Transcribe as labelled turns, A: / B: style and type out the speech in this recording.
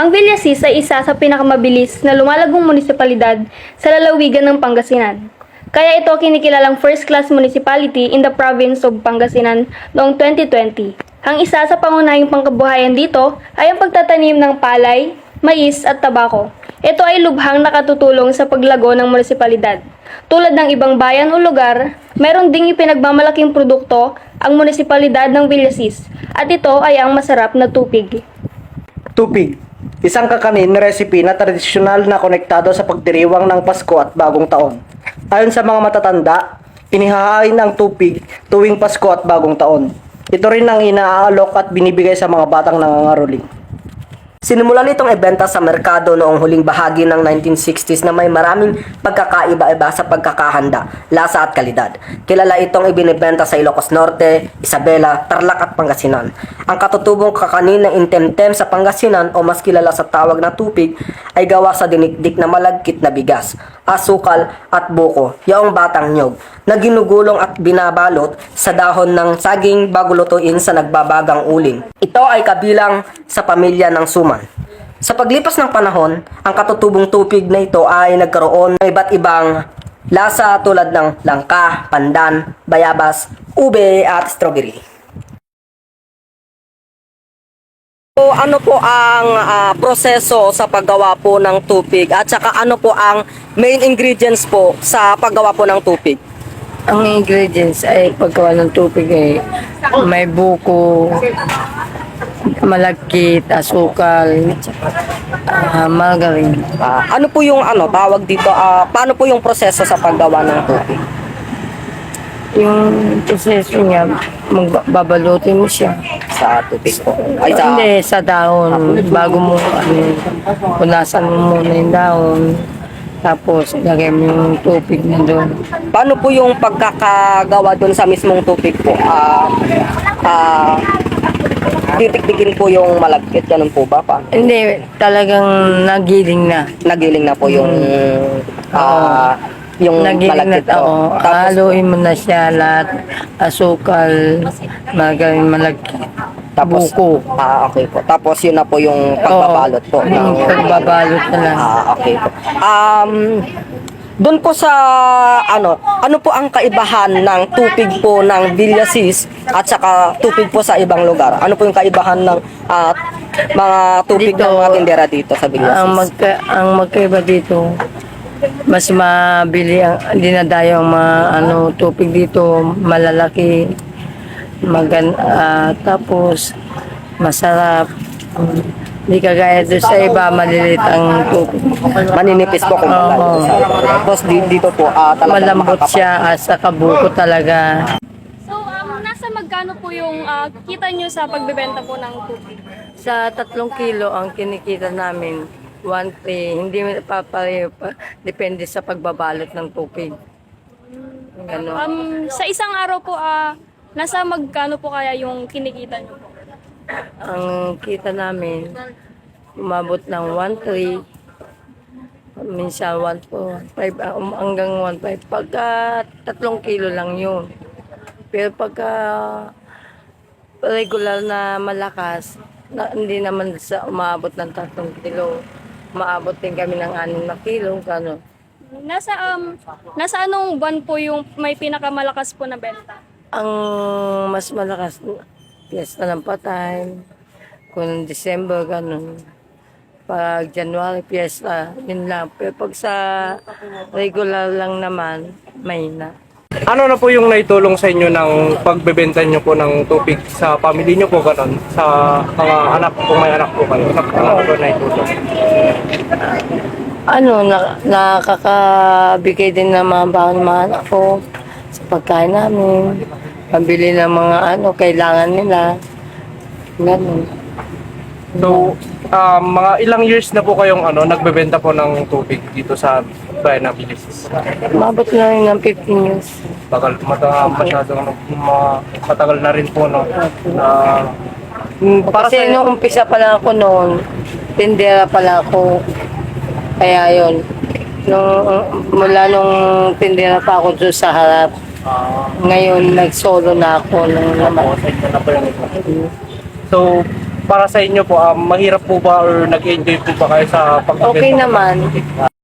A: Ang Villasis ay isa sa pinakamabilis na lumalagong munisipalidad sa lalawigan ng Pangasinan. Kaya ito kinikilalang first-class municipality in the province of Pangasinan noong 2020. Ang isa sa pangunahing pangkabuhayan dito ay ang pagtatanim ng palay, mais at tabako. Ito ay lubhang nakatutulong sa paglago ng munisipalidad. Tulad ng ibang bayan o lugar, meron ding ipinagmamalaking produkto ang munisipalidad ng Villasis at ito ay ang masarap na tupig.
B: Tupig, isang kakanin recipe na tradisyonal na konektado sa pagdiriwang ng Pasko at Bagong Taon. Ayon sa mga matatanda, inihahain ang tupig tuwing Pasko at Bagong Taon. Ito rin ang inaalok at binibigay sa mga batang nangangaroling. Sinimulan itong ibenta sa merkado noong huling bahagi ng 1960s na may maraming pagkakaiba-iba sa pagkakahanda, lasa at kalidad. Kilala itong ibinibenta sa Ilocos Norte, Isabela, Tarlac at Pangasinan. Ang katutubong kakanin ng Intemtem sa Pangasinan o mas kilala sa tawag na tupig ay gawa sa dinikdik na malagkit na bigas, asukal at buko, yaong batang nyog, na ginugulong at binabalot sa dahon ng saging bago lutuin sa nagbabagang uling. Ito ay kabilang sa pamilya ng suman. Sa paglipas ng panahon, ang katutubong tupig na ito ay nagkaroon ng iba't ibang lasa tulad ng langka, pandan, bayabas, ube at strawberry. So, ano po ang proseso sa paggawa po ng tupig at saka ano po ang main ingredients po sa paggawa po ng tupig?
C: Ang ingredients ay paggawa ng tubig ay may buko, malagkit, asukal, margarine.
B: Ano po yung tawag dito? Paano po yung proseso sa paggawa ng tupig?
C: Yung proseso niya, magbabalutin mo siya.
B: Sa tubig po? Ay, sa...
C: Hindi, sa dahon. Bago mo, punasan mo muna yung dahon. Tapos, lagay mo yung tubig na doon.
B: Paano po yung pagkakagawa doon sa mismong tubig po? Titiktikin po yung malagkit, ganun po ba?
C: Hindi, talagang nagiling na.
B: Nagiling na po yung yung
C: Nagiling na
B: malagkit po.
C: tao. Haluin mo na siya lahat. Asukal, margarine, malagkit.
B: Tapos,
C: buko.
B: okay po. Tapos yun na po yung pagbabalot po.
C: Yung pagbabalot na lang.
B: Okay po. Doon po sa ano po ang kaibahan ng tupig po ng Villasis at saka tupig po sa ibang lugar? Ano po yung kaibahan ng mga tupig
C: Dito,
B: ng mga tindera dito sa Villasis?
C: Ang magkaiba dito, mas mabili ang dinadayo ang mga tupig dito, malalaki, tapos masarap. Hindi kagaya doon sa iba, maliliit ang tubig.
B: Maninipis po kung tapos dito po talagang
C: Malambot siya at sa kabuko talaga.
A: So, nasa magkano po yung kita nyo sa pagbebenta po ng tupig?
C: Sa 3 kilo ang kinikita namin, 1.3. Hindi papareho pa. Depende sa pagbabalot ng tubig. Ganon.
A: Sa isang araw po, nasa magkano po kaya yung kinikita nyo po?
C: Ang kita namin, umabot ng 1.3. Minsan 1.4, 1.5, hanggang 1.5. Pagka 3 kilo lang yun. Pero pagka regular na malakas, hindi naman sa umabot ng 3 kilo. Maabot din kami ng 6 na kilo, gano'n.
A: Nasa anong buwan po yung may pinakamalakas po na benta?
C: Ang mas malakas, Piyesta ng Patay, kung December, gano'n. Pag January, piyesta, yun lang. Pero pag sa regular lang naman, may na.
D: Ano na po yung naitulong sa inyo ng pagbebenta nyo po ng tubig sa pamilya nyo po gano'n? Sa mga anak, kung may anak po kayo, ano po naitulong?
C: Nakakabigay din ng mga baon mga anak ko sa pagkain namin. Pambili ng mga kailangan nila. Ganun.
D: So, mga ilang years na po kayong nagbebenta po ng tubig dito sa bayan ng Villasis?
C: Umabot na rin ng 15 years.
D: Matagal na rin po, no? Para
C: Kasi nung umpisa pa lang ako noon, tindera pa lang ako. Kaya yun, mula nung tindera pa ako doon sa harap, ngayon nag-solo na ako ng naman.
D: So, para sa inyo po, mahirap po ba or nag-enjoy po ba kayo sa pagbebenta?
C: Okay naman.